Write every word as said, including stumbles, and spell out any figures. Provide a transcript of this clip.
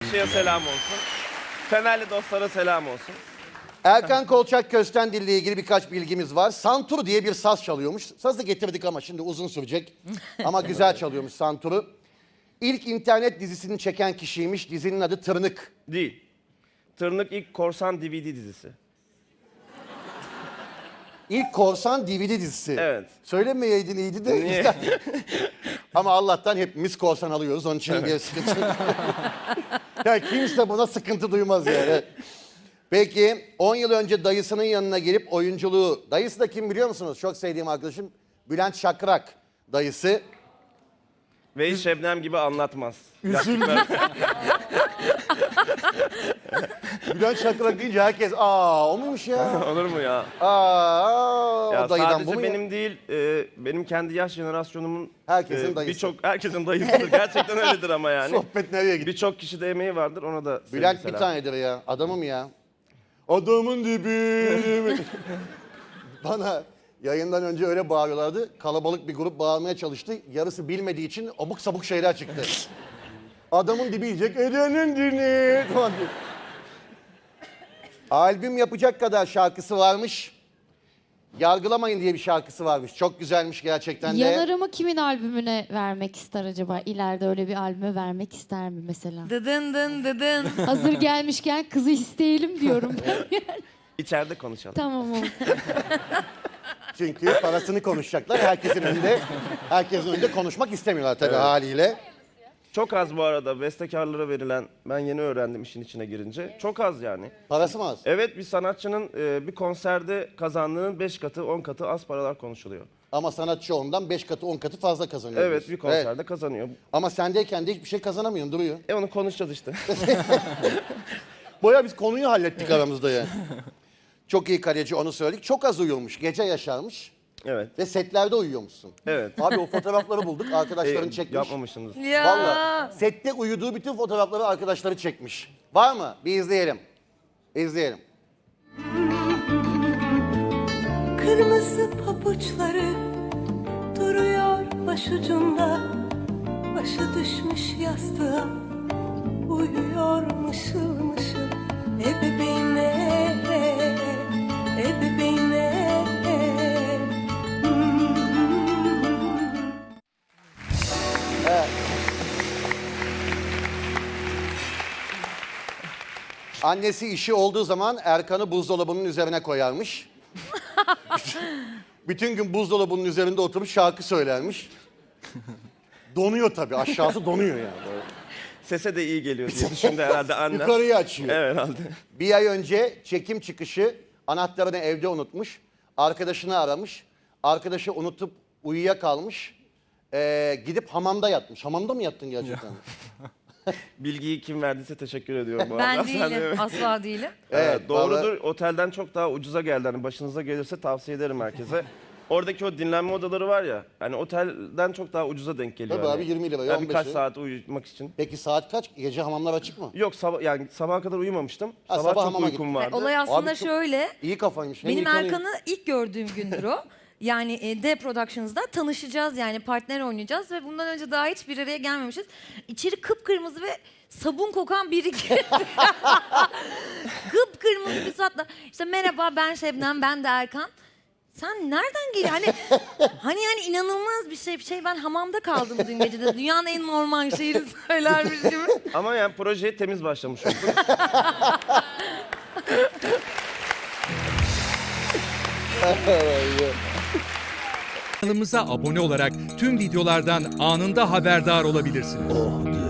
Fenerbahçe'ye selam olsun. Fenerli dostlara selam olsun. Erkan Kolçak Köstendil ile ilgili birkaç bilgimiz var. Santur diye bir saz çalıyormuş. Sazı getirdik ama şimdi uzun sürecek. Ama güzel çalıyormuş santuru. İlk internet dizisini çeken kişiymiş. Dizinin adı Tırnık. Değil. Tırnık ilk korsan D V D dizisi. İlk korsan D V D dizisi. Evet. Söylemeyeydin iyiydi de. Niye? Ama Allah'tan hepimiz korsan alıyoruz. Onun için bir sıkıntı yok. Ya kimse buna sıkıntı duymaz yani. Peki on yıl önce dayısının yanına gelip oyunculuğu... Dayısı da kim biliyor musunuz? Çok sevdiğim arkadaşım Bülent Şakrak dayısı. Ve hiç Şebnem gibi anlatmaz. Üzüldüm. Bülent Şakrak deyince herkes aa o muymuş ya? Olur mu ya? Aa Ya o dayıdan bu sadece mu benim ya? değil, e, benim kendi yaş jenerasyonumun Herkesin e, dayısı. birçok herkesin dayısıdır. Gerçekten öyledir ama yani. Sohbet nereye gitti? Birçok kişi de emeği vardır. Ona da sevgi Bülent bir selam. tanedir ya. Adamım ya. Adamın dibi. Bana yayından önce öyle bağırıyorlardı. Kalabalık bir grup bağırmaya çalıştı. Yarısı bilmediği için abuk sabuk şeyler çıktı. Adamın dibi diyecek. Edenin dini. Falan diye. Albüm yapacak kadar şarkısı varmış. Yargılamayın diye bir şarkısı varmış. Çok güzelmiş gerçekten de. Yanarımı kimin albümüne vermek ister acaba? İleride öyle bir albüme vermek ister mi mesela? Dıdın dın dıdın. Hazır gelmişken kızı isteyelim diyorum. İçeride konuşalım. Tamam oldu. Çünkü parasını konuşacaklar. Herkesin önünde, herkesin önünde konuşmak istemiyorlar tabii Evet. haliyle. Çok az bu arada bestekarlara verilen, ben yeni öğrendim işin içine girince. Çok az yani. Parası mı az? Evet, bir sanatçının e, bir konserde kazandığının beş katı, on katı az paralar konuşuluyor. Ama sanatçı ondan beş katı on katı fazla kazanıyor. Evet, diyorsun. bir konserde kazanıyor. Ama sendeyken de hiçbir şey kazanamıyorsun, duruyor. E onu konuşacağız işte. Boya biz konuyu hallettik aramızda ya. Çok iyi kaleci, onu söyledik. Çok az uyuyormuş, gece yaşarmış Evet. ve setlerde uyuyormuşsun. Evet. Abi o fotoğrafları bulduk, arkadaşların E, çekmiş. yapmamışsınız. Ya. Vallahi sette uyuduğu bütün fotoğrafları arkadaşları çekmiş. Var mı? Bir izleyelim. İzleyelim. Kırmızı pabuçları duruyor başucunda, başı düşmüş yastığa, uyuyor mışıl mışıl. E bebeğime, e bebeğime. Annesi işi olduğu zaman Erkan'ı buzdolabının üzerine koyarmış. Bütün gün buzdolabının üzerinde oturup şarkı söylermiş. Donuyor tabii, aşağısı donuyor yani. Böyle. Sese de iyi geliyor diye düşündü herhalde annem. Yukarıyı açıyor. Evet herhalde. Bir ay önce çekim çıkışı anahtarını evde unutmuş. Arkadaşını aramış. Arkadaşı unutup uyuyakalmış. Ee, gidip hamamda yatmış. Hamamda mı yattın gerçekten? Bilgiyi kim verdiyse teşekkür ediyorum bu Ben arada. Sen de- değilim. Asla değilim. Evet, Evet, doğrudur. vallahi- Otelden çok daha ucuza geldi. Hani başınıza gelirse tavsiye ederim herkese. Oradaki o dinlenme odaları var ya, hani otelden çok daha ucuza denk geliyor. Tabii hani. abi, yirmi liraya, Yani on beş birkaç liraya. saat uyumak için. Peki saat kaç? Gece hamamlar açık mı? Yok sabah, yani sabaha kadar uyumamıştım. Ha, sabah, sabah çok hamama uykum gittin. vardı. Olay aslında Abi çok- şöyle. İyi kafaymış. Hem Benim yıkanıyor- Erkan'ı ilk gördüğüm gündür o. Yani e, D Productions'da tanışacağız, yani partner oynayacağız ve bundan önce daha hiç bir araya gelmemişiz. İçeri kıpkırmızı ve sabun kokan biri girdi. Kıpkırmızı bir suratla. İşte merhaba, ben Şebnem, ben de Erkan. Sen nereden geliyor? Hani hani yani inanılmaz bir şey. Bir şey, ben hamamda kaldım dün gece de. Dünyanın en normal şeyini söylermiş gibi. Ama yani projeye temiz başlamış olduk. Kanalımıza abone olarak tüm videolardan anında haberdar olabilirsiniz.